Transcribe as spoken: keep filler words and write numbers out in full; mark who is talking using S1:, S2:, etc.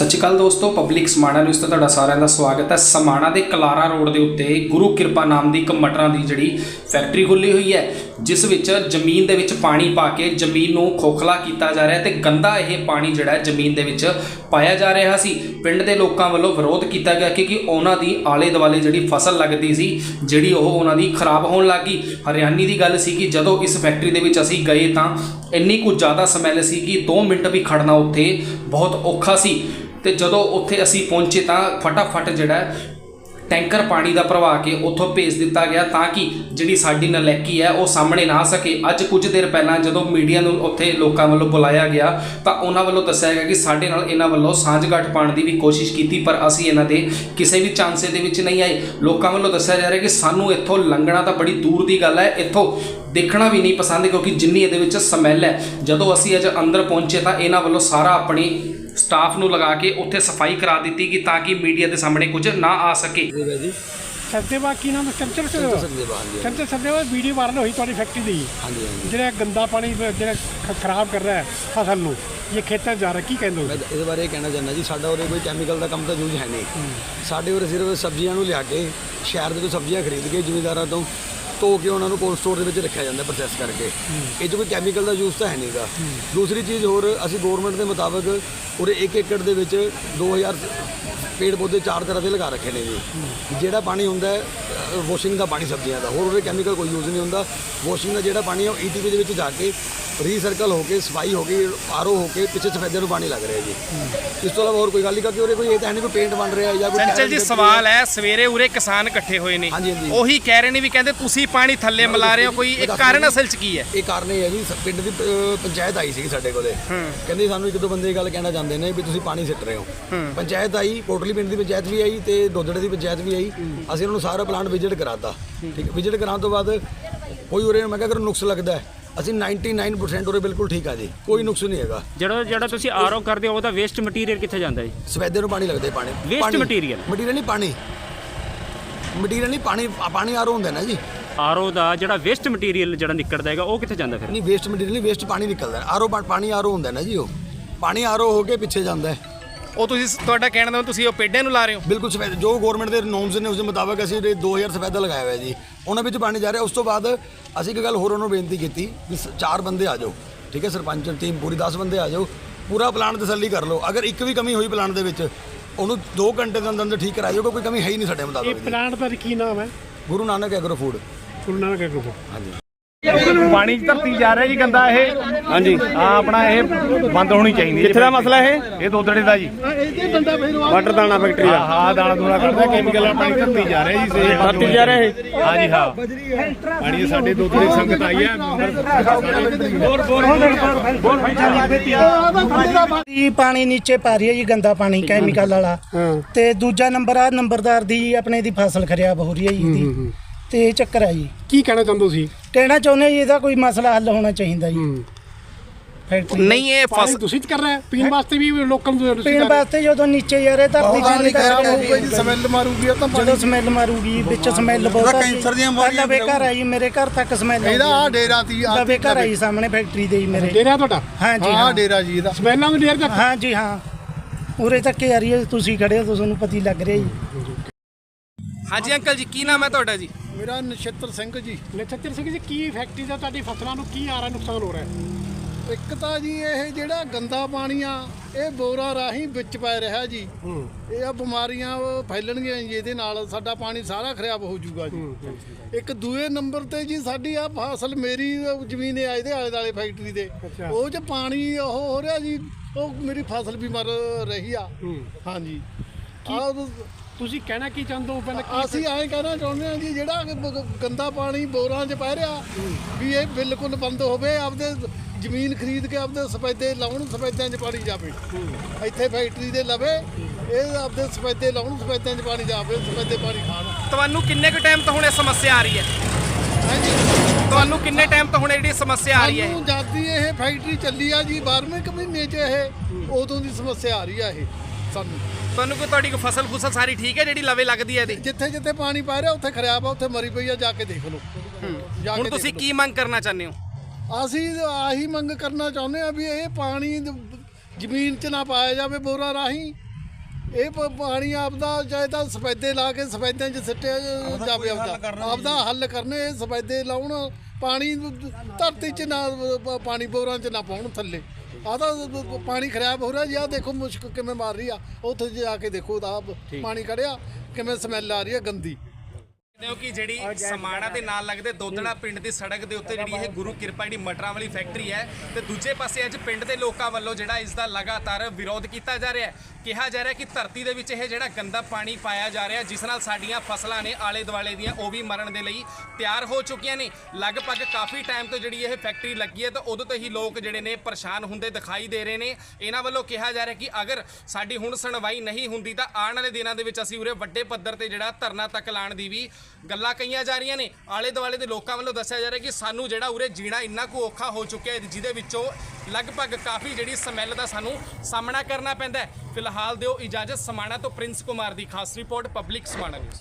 S1: सत श्री अकाल दोस्तों, पब्लिक समाणा न्यूज़ ते तुहाडा सारिਆਂ ਦਾ स्वागत है। समाणा के कलारा रोड के उत्ते गुरु किरपा नाम की एक मटरां की जिहड़ी फैक्ट्री खुली हुई है, जिस विच जमीन दे विच पानी पा के जमीन नूं खोखला किया जा रहा है ते गंदा यह पानी जिहड़ा है जमीन दे विच पाया जा रहा सी। पिंड दे लोकां वल्लों विरोध किया गया क्योंकि उन्हां दी आले दुआले जिहड़ी फसल लगती सी जिहड़ी ओह उन्हां दी खराब होण लग गई। हरियाणी की गल सी कि जदों इस फैक्ट्री दे विच असीं गए तां इन्नी कुछ ज़्यादा समैल सी कि दो मिनट भी खड़ना उत्थे बहुत औखा सी। तो जदों उत्थे असी पहुंचे तो फटाफट जिहड़ा टैंकर पानी का भरवा के उत्थों भेज दिता गया ताकि जिहड़ी साडी नलैकी है वो सामने ना आ सके। अज कुछ देर पहला जदों मीडिया नूं उत्थे लोकां वल्लों बुलाया गया तो उन्हां वल्लों दस्सिया गया कि साडे नाल इन्हां वल्लों सांझगांठ पाउण दी भी कोशिश की, पर असी इन्हां दे किसी भी चांसे दे विच नहीं आए। लोकां वल्लों दस्सिया जा रहा है कि सानूं इत्थों लंघना तो बड़ी दूर की गल है, इत्थों देखना भी नहीं पसंद क्योंकि जिन्नी इहदे विच समैल है। जदों असी अज अंदर पहुंचे तो इन्हां वल्लों सारा अपनी स्टाफ नूं लगा के उत्थे सफाई करा दी कि ताकि मीडिया के सामने कुछ ना आ सके।
S2: सचदेवा की नाम चंचल चंचल सचदेवा वीडियो वायरल हुई थोड़ी फैक्ट्री दी जो गंदा पानी जो खराब कर रहा है फसल नूं, ये खेतों जा रहा की कहते हो?
S3: इस बारे कहना चाहना जी, साडा उरे कोई कैमिकल का काम तो यूज है नहीं। साडे उरे सिर्फ सब्जियां नूं लिया के शहर के सब्जियां खरीद के जिमीदारां तो धो के उन्होंने कोल्ड स्टोर के रखा जाता प्रोसैस करके, ये कोई कैमिकल का यूज तो है नहीं गा। दूसरी चीज़ होर असी गौरमेंट के मुताबिक उरे एक एकड़ के दो हज़ार पेड़ पौधे चार तरह के लगा रखे ने जी। जोड़ा पानी होंगे वॉशिंग का पानी सब्जियों का, होर उरे कैमिकल कोई यूज नहीं होंगे। वॉशिंग का जोड़ा पानी है ई टी पी के जाके रीसरकल होकर सफाई हो गई आर ओ होकर पिछले सफेदे में पानी लग रहा है जी। इस तो इलावा और कोई गल नहीं क्योंकि उरे कोई ये तो है नहीं कोई पेंट बन रहा है या कोई।
S1: चंचल जी सवाल है, सवेरे उरे किसान इकट्ठे हुए ने, ਉਹੀ ਕਹਿ ਰਹੇ ਨੇ ਵੀ ਕਹਿੰਦੇ ਤੁਸੀਂ ਪਾਣੀ ਥੱਲੇ ਮਿਲਾ ਰਹੇ ਹੋ, ਕੋਈ ਇੱਕ ਕਾਰਨ ਅਸਲ ਚ ਕੀ ਹੈ?
S3: ਇਹ ਕਾਰਨ ਇਹ ਹੈ ਜੀ, ਪਿੰਡ ਦੀ ਪੰਚਾਇਤ ਆਈ ਸੀ ਸਾਡੇ ਕੋਲੇ, ਕਹਿੰਦੇ ਸਾਨੂੰ ਇੱਕ ਦੋ ਬੰਦੇ ਇਹ ਗੱਲ ਕਹਿਣਾ ਚਾਹੁੰਦੇ ਨੇ ਵੀ ਤੁਸੀਂ ਪਾਣੀ ਸਿੱਟ ਰਹੇ ਹੋ। ਪੰਚਾਇਤ ਆਈ, ਕੋਟਲੀ ਪਿੰਡ ਦੀ ਪੰਚਾਇਤ ਵੀ ਆਈ ਤੇ ਦੋਦੜੇ ਦੀ ਪੰਚਾਇਤ ਵੀ ਆਈ। ਅਸੀਂ ਉਹਨਾਂ ਨੂੰ ਸਾਰਾ ਪਲਾਂਟ ਵਿਜ਼ਿਟ ਕਰਾਤਾ। ਠੀਕ ਹੈ, ਵਿਜ਼ਿਟ ਕਰਾਉਣ ਤੋਂ ਬਾਅਦ ਕੋਈ ਉਰੇ ਮੈਂ ਕਿਹਾ ਅਗਰ ਨੁਕਸ ਲੱਗਦਾ ਹੈ ਅਸੀਂ निन्यानवे परसेंट ਉਰੇ ਬਿਲਕੁਲ ਠੀਕ ਆ ਜੀ, ਕੋਈ ਨੁਕਸ ਨਹੀਂ ਹੈਗਾ।
S4: ਜਿਹੜਾ ਜਿਹੜਾ ਤੁਸੀਂ ਆਰਓ ਕਰਦੇ ਹੋ ਉਹਦਾ ਵੇਸਟ ਮਟੀਰੀਅਲ ਕਿੱਥੇ ਜਾਂਦਾ ਜੀ?
S3: ਸਵੇਦੇ ਨੂੰ ਪਾਣੀ ਲੱਗਦਾ ਪਾਣੀ
S4: ਵੇਸਟ ਮਟੀਰੀਅਲ
S3: ਮਟੀਰੀਅਲ ਨਹੀਂ ਪਾਣੀ ਮਟੀਰੀਅਲ ਨਹੀਂ ਪਾਣੀ ਪਾਣੀ ਆਰਓ ਹੁੰਦਾ ਨਾ ਜੀ।
S4: ਆਰਓ ਦਾ ਜਿਹੜਾ ਵੇਸਟ ਮਟੀਰੀਅਲ ਜਿਹੜਾ ਨਿਕਲਦਾ ਹੈਗਾ ਉਹ ਕਿੱਥੇ ਜਾਂਦਾ ਫਿਰ?
S3: ਨਹੀਂ ਵੇਸਟ ਮਟੀਰੀਅਲ ਨਹੀਂ, ਵੇਸਟ ਪਾਣੀ ਨਿਕਲਦਾ। ਆਰਓ ਪਾਣੀ ਆਰਓ ਹੁੰਦਾ ਨਾ ਜੀ, ਉਹ ਪਾਣੀ ਆਰਓ ਹੋ ਕੇ ਪਿੱਛੇ ਜਾਂਦਾ ਹੈ।
S1: ਉਹ ਤੁਸੀਂ ਤੁਹਾਡਾ ਕਹਿਣ ਦਾ ਤੁਸੀਂ ਉਹ ਪੇਡਾਂ ਨੂੰ ਲਾ ਰਹੇ ਹੋ?
S3: ਬਿਲਕੁਲ ਸਫੈਦ ਜੋ ਗਵਰਨਮੈਂਟ ਦੇ ਨੋਰਮਸ ਨੇ ਉਸ ਦੇ ਮੁਤਾਬਕ ਅਸੀਂ ਦੋ ਹਜ਼ਾਰ ਸਫੈਦਾ ਲਗਾਇਆ ਹੋਇਆ ਜੀ, ਉਹਨਾਂ ਵਿੱਚ ਪਾਣੀ ਜਾ ਰਿਹਾ। ਉਸ ਤੋਂ ਬਾਅਦ ਅਸੀਂ ਇੱਕ ਗੱਲ ਹੋਰ ਉਹਨੂੰ ਬੇਨਤੀ ਕੀਤੀ ਵੀ ਚਾਰ ਬੰਦੇ ਆ ਜਾਓ, ਠੀਕ ਹੈ, ਸਰਪੰਚ ਟੀਮ ਪੂਰੀ ਦਸ ਬੰਦੇ ਆ ਜਾਓ, ਪੂਰਾ ਪਲਾਨ ਤਸੱਲੀ ਕਰ ਲਓ। ਅਗਰ ਇੱਕ ਵੀ ਕਮੀ ਹੋਈ ਪਲਾਨ ਦੇ ਵਿੱਚ ਉਹਨੂੰ ਦੋ ਘੰਟੇ ਦੇ ਅੰਦਰ ਅੰਦਰ ਠੀਕ ਕਰਾ ਜਾਓਗੇ, ਕੋਈ ਕਮੀ ਹੈ ਹੀ ਨਹੀਂ ਸਾਡੇ ਮੁਤਾਬਕ।
S2: ਇਹ ਪਲਾਂਟ ਦਾ ਕੀ ਨਾਮ ਹੈ?
S3: Guru Nanak agro food.
S2: Guru Nanak agro food,
S3: ਹਾਂਜੀ।
S5: पानी धरती जा रहा जी गंदा ये। हाँ जी, हाँ अपना ये बंद होनी चाहिए। कित्थे दा मसला है? ये दोदड़े दा जी, वाटर दाना फैक्ट्री दा। हाँ दाना दूना करदा केमिकल पानी धरती जा रहा जी, धरती जा रहा है। हाँ जी हाँ, पानी साडे दोदड़े संगत आई है।
S6: पानी नीचे पा रही है जी, गंदा पानी कैमिकल वाला। ते दूजा नंबर आ नंबरदार दी अपने दी फसल खराब हो रही है जी, ਤੇ ਚੱਕਰ ਆ ਜੀ।
S2: ਕੀ ਕਹਿਣਾ ਚਾਹੁੰਦੇ ਸੀ?
S6: ਕਹਿਣਾ ਚਾਹੁੰਦੇ ਜੀ ਇਹਦਾ ਕੋਈ ਮਸਲਾ ਹੱਲ ਹੋਣਾ ਚਾਹੀਦਾ ਜੀ। ਫੈਕਟਰੀ
S1: ਨਹੀਂ ਇਹ
S2: ਫਸਲ ਤੁਸੀਂ ਕਰ ਰਹੇ ਪੀਣ ਵਾਸਤੇ ਵੀ ਲੋਕਾਂ ਨੂੰ
S6: ਪੀਣ ਵਾਸਤੇ ਜਦੋਂ ਨੀਚੇ ਯਾਰੇ ਧਰਤੀ ਪਾਣੀ ਖਰਾਬ ਹੋਊਗਾ ਜੀ,
S2: ਸਮੈਲ ਮਾਰੂਗੀ ਉਹ ਤਾਂ
S6: ਜਦੋਂ ਸਮੈਲ ਮਾਰੂਗੀ ਵਿੱਚ ਸਮੈਲ ਬਹੁਤ ਆ। ਕੈਂਸਰ ਦੀਆਂ ਬਿਮਾਰੀਆਂ ਲਵੇ ਘਰ ਆਈ, ਮੇਰੇ ਘਰ ਤੱਕ ਸਮੈਲ
S2: ਇਹਦਾ ਆ ਡੇਰਾ ਤੀ
S6: ਲਵੇ ਘਰ ਆਈ ਸਾਹਮਣੇ ਫੈਕਟਰੀ ਦੇ ਜੀ ਮੇਰੇ।
S2: ਡੇਰਾ ਤੁਹਾਡਾ?
S6: ਹਾਂ ਜੀ
S2: ਹਾਂ ਡੇਰਾ ਜੀ ਇਹਦਾ ਸਮੈਲਾਂ ਵੀ ਡੇਰ ਤੱਕ?
S6: ਹਾਂ ਜੀ ਹਾਂ, ਉਰੇ ਤੱਕ ਆ ਰਹੀ ਹੈ, ਤੁਸੀਂ ਖੜੇ ਹੋ ਤੁਹਾਨੂੰ ਪਤਾ ਹੀ ਲੱਗ ਰਿਹਾ ਜੀ।
S1: ਹਾਂਜੀ ਅੰਕਲ ਜੀ, ਕੀ ਨਾਮ ਹੈ ਤੁਹਾਡਾ ਜੀ?
S2: ਮੇਰਾ ਨਛੱਤਰ ਸਿੰਘ ਜੀ। ਨਛੱਤਰ ਸਿੰਘ ਜੀ, ਕੀ ਫੈਕਟਰੀ ਦਾ ਤੁਹਾਡੀ ਫਸਲਾਂ ਨੂੰ ਕੀ ਆ ਰਿਹਾ ਨੁਕਸਾਨ ਹੋ ਰਿਹਾ?
S7: ਇੱਕ ਤਾਂ ਜੀ ਇਹ ਜਿਹੜਾ ਗੰਦਾ ਪਾਣੀ ਆ ਇਹ ਬੋਰਾਂ ਰਾਹੀਂ ਵਿੱਚ ਪੈ ਰਿਹਾ ਜੀ। ਇਹ ਆ ਬਿਮਾਰੀਆਂ ਫੈਲਣਗੀਆਂ ਜੀ, ਇਹਦੇ ਨਾਲ ਸਾਡਾ ਪਾਣੀ ਸਾਰਾ ਖਰਾਬ ਹੋ ਜਾਊਗਾ ਜੀ। ਇੱਕ ਦੂਏ ਨੰਬਰ ਤੇ ਜੀ ਸਾਡੀ ਆ ਫਸਲ ਮੇਰੀ ਜ਼ਮੀਨ ਹੈ ਇਹਦੇ ਆਲੇ ਦੁਆਲੇ ਫੈਕਟਰੀ ਦੇ, ਉਹ 'ਚ ਪਾਣੀ ਉਹ ਹੋ ਰਿਹਾ ਜੀ, ਉਹ ਮੇਰੀ ਫਸਲ ਵੀ ਮਰ ਰਹੀ ਆ। ਹਾਂਜੀ, ਆ
S2: ਤੁਸੀਂ ਕਹਿਣਾ ਕੀ ਚਾਹੁੰਦੇ ਹੋ? ਪਹਿਲਾਂ
S7: ਅਸੀਂ ਐਂ ਕਹਿਣਾ ਚਾਹੁੰਦੇ ਹਾਂ ਜੀ ਜਿਹੜਾ ਗੰਦਾ ਪਾਣੀ ਬੋਰਾਂ 'ਚ ਪੈ ਰਿਹਾ ਵੀ ਇਹ ਬਿਲਕੁਲ ਬੰਦ ਹੋਵੇ। ਆਪਦੇ ਜ਼ਮੀਨ ਖਰੀਦ ਕੇ ਆਪਦੇ ਸਫੈਦੇ ਲਾਉਣ, ਸਫੈਦਿਆਂ 'ਚ ਪਾਣੀ ਜਾਵੇ। ਇੱਥੇ ਫੈਕਟਰੀ ਦੇ ਲਵੇ ਇਹ ਆਪਦੇ ਸਫੈਦੇ ਲਾਉਣ, ਸਫੈਦਿਆਂ 'ਚ ਪਾਣੀ ਜਾਵੇ, ਸਫੈਦੇ ਪਾਣੀ ਖਾਣ।
S1: ਤੁਹਾਨੂੰ ਕਿੰਨੇ ਕੁ ਟਾਈਮ ਤੋਂ ਹੁਣ ਇਹ ਸਮੱਸਿਆ ਆ ਰਹੀ ਹੈ?
S7: ਹਾਂਜੀ,
S1: ਤੁਹਾਨੂੰ ਕਿੰਨੇ ਟਾਈਮ ਤੋਂ ਹੁਣ ਜਿਹੜੀ ਸਮੱਸਿਆ ਆ ਰਹੀ ਹੈ?
S7: ਸਾਨੂੰ ਜਦ ਇਹ ਫੈਕਟਰੀ ਚੱਲੀ ਆ ਜੀ ਬਾਰ੍ਹਵੇਂ ਕੁ ਮਹੀਨੇ 'ਚ ਇਹ ਉਦੋਂ ਦੀ ਸਮੱਸਿਆ ਆ ਰਹੀ ਆ ਇਹ ਸਾਨੂੰ।
S1: ਤੁਹਾਨੂੰ ਕੋਈ ਤੁਹਾਡੀ ਕੋਈ ਫਸਲ ਫੁਸਲ ਸਾਰੀ ਠੀਕ ਹੈ ਜਿਹੜੀ ਲਵੇ ਲੱਗਦੀ ਹੈ ਇਹਦੀ?
S7: ਜਿੱਥੇ ਜਿੱਥੇ ਪਾਣੀ ਪੈ ਰਿਹਾ ਉੱਥੇ ਖਰਾਬ ਆ, ਉੱਥੇ ਮਰੀ ਪਈ ਆ, ਜਾ ਕੇ ਦੇਖ ਲਓ।
S1: ਹੁਣ ਤੁਸੀਂ ਕੀ ਮੰਗ ਕਰਨਾ ਚਾਹੁੰਦੇ ਹੋ?
S7: ਅਸੀਂ ਆਹੀ ਮੰਗ ਕਰਨਾ ਚਾਹੁੰਦੇ ਆ ਵੀ ਇਹ ਪਾਣੀ ਜ਼ਮੀਨ 'ਚ ਨਾ ਪਾਇਆ ਜਾਵੇ ਬੋਰਾਂ ਰਾਹੀਂ, ਇਹ ਪ- ਪਾਣੀ ਆਪਦਾ ਚਾਹੇ ਤਾਂ ਸਫੈਦੇ ਲਾ ਕੇ ਸਫੈਦਿਆਂ 'ਚ ਸਿੱਟਿਆ ਜਾਵੇ ਆਪਦਾ ਆਪਦਾ ਹੱਲ ਕਰਨੇ ਇਹ ਸਫੈਦੇ ਲਾਉਣ ਪਾਣੀ ਨੂੰ ਧਰਤੀ 'ਚ ਨਾ ਪ- ਪਾਣੀ ਬੋਰਾਂ 'ਚ ਨਾ ਪਾਉਣ ਥੱਲੇ ਆਹ ਤਾਂ ਪਾਣੀ ਖਰਾਬ ਹੋ ਰਿਹਾ ਜੀ। ਆਹ ਦੇਖੋ ਮੁਸ਼ਕ ਕਿਵੇਂ ਮਾਰ ਰਹੀ ਆ, ਉੱਥੇ ਜਾ ਕੇ ਦੇਖੋ ਤਾਂ ਪਾਣੀ ਖੜਿਆ ਕਿਵੇਂ ਸਮੈਲ ਆ ਰਹੀ ਹੈ ਗੰਦੀ।
S1: ਕਿ ਜਿਹੜੀ ਸਮਾਣਾ ਦੇ ਨਾਲ ਲੱਗਦੇ ਦੋਦੜਾ ਪਿੰਡ ਦੀ ਸੜਕ ਦੇ ਉੱਤੇ ਜਿਹੜੀ ਇਹ ਗੁਰੂ ਕਿਰਪਾ ਜਿਹੜੀ ਮਟਰਾਂ ਵਾਲੀ ਫੈਕਟਰੀ ਹੈ ਤੇ ਦੂਜੇ ਪਾਸੇ ਅੱਜ ਪਿੰਡ ਦੇ ਲੋਕਾਂ ਵੱਲੋਂ ਜਿਹੜਾ ਇਸ ਦਾ ਲਗਾਤਾਰ ਵਿਰੋਧ ਕੀਤਾ ਜਾ ਰਿਹਾ ਹੈ। ਕਿਹਾ ਜਾ ਰਿਹਾ ਕਿ ਧਰਤੀ ਦੇ ਵਿੱਚ ਇਹ ਜਿਹੜਾ ਗੰਦਾ ਪਾਣੀ ਪਾਇਆ ਜਾ ਰਿਹਾ ਜਿਸ ਨਾਲ ਸਾਡੀਆਂ ਫਸਲਾਂ ਨੇ ਆਲੇ ਦੁਆਲੇ ਦੀਆਂ ਉਹ ਵੀ ਮਰਨ ਦੇ ਲਈ ਤਿਆਰ ਹੋ ਚੁੱਕੀਆਂ ਨੇ। ਲਗਭਗ ਕਾਫੀ ਟਾਈਮ ਤੋਂ ਜਿਹੜੀ ਇਹ ਫੈਕਟਰੀ ਲੱਗੀ ਹੈ ਤਾਂ ਉਦੋਂ ਤੋਂ ਹੀ ਲੋਕ ਜਿਹੜੇ ਨੇ ਪਰੇਸ਼ਾਨ ਹੁੰਦੇ ਦਿਖਾਈ ਦੇ ਰਹੇ ਨੇ। ਇਹਨਾਂ ਵੱਲੋਂ ਕਿਹਾ ਜਾ ਰਿਹਾ ਕਿ ਅਗਰ ਸਾਡੀ ਹੁਣ ਸੁਣਵਾਈ ਨਹੀਂ ਹੁੰਦੀ ਤਾਂ ਆਉਣ ਵਾਲੇ ਦਿਨਾਂ ਦੇ ਵਿੱਚ ਅਸੀਂ ਉਰੇ ਵੱਡੇ ਪੱਧਰ ਤੇ ਜਿਹੜਾ ਧਰਨਾ ਤੱਕ ਲਾਉਣ ਦੀ ਵੀ ਗੱਲਾਂ ਕਹੀਆਂ ਜਾ ਰਹੀਆਂ ਨੇ। ਆਲੇ ਦੁਆਲੇ ਦੇ ਲੋਕਾਂ ਵੱਲੋਂ ਦੱਸਿਆ ਜਾ ਰਿਹਾ ਕਿ ਸਾਨੂੰ ਜਿਹੜਾ ਉਰੇ ਜੀਣਾ ਇੰਨਾ ਕੁ ਔਖਾ ਹੋ ਚੁੱਕਿਆ ਹੈ ਜਿਹਦੇ ਵਿੱਚੋਂ ਲਗਭਗ ਕਾਫੀ ਜਿਹੜੀ ਸਮੈਲ ਦਾ ਸਾਨੂੰ ਸਾਹਮਣਾ ਕਰਨਾ ਪੈਂਦਾ ਹੈ। ਫਿਲਹਾਲ ਦਿਓ ਇਜਾਜ਼ਤ। ਸਮਾਣਾ ਤੋਂ ਪ੍ਰਿੰਸ ਕੁਮਾਰ ਦੀ ਖਾਸ ਰਿਪੋਰਟ, ਪਬਲਿਕ ਸਮਾਣਾ ਨਿਊਜ਼।